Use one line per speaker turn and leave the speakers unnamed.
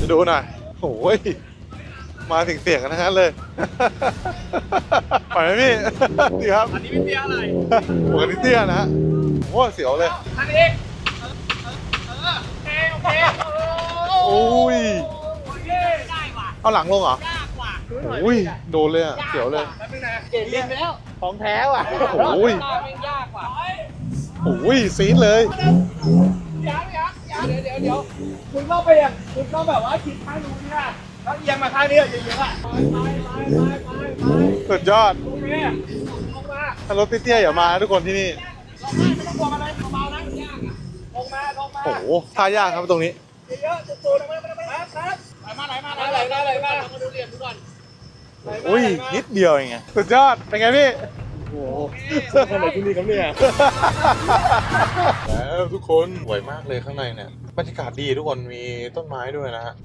จะดูหน่อยโอ้ยมาถึงเสียงกันทั้งนั้นเลยปล่อยไหมพี่ดีครับอันนี้ไม่เตี้ยอะไรปกติเตี้ยนะฮะโอ้เสียวเลยอันนี้โอเคโอ้ยได้ว่ะเอาหลังลงเหรอยากว่ะโอ้ยโดนเลยอ่ะเสียวเลย
เก่งเรียนไปแล้วของแท้ว่ะ
โอ้ย
ยากว่ะ
โอ้ยซีดเลย
เดี๋ยวคุณต้องไปอย่างคุณต้องแบบว่าคิดข้างนู้นเนี่ยแล้วเอียงมาข้างนี้เยอะๆอ่ะ
สุดยอด
โอเคลงมา
ถ้ารถเตี้ยๆอย่ามาทุกคนที่นี่
ไม่ต้องกลัวอะไรเบาๆนะมันยากอ่ะลงมา
โอ้โหท่ายากครับตรงนี้
เยอะๆตัวๆมาไหลมาเราดูเหลี่ยมดูก่อน
อุ้ยนิดเดียวเองไงสุดยอดเป็นไงพี่โอ้โห
ทำไมที่นี่ครับเนี่ย
แล้วทุกคนสวยมากเลยข้างในเนี่ยบรรยากาศดีทุกคนมีต้นไม้ด้วยนะฮะ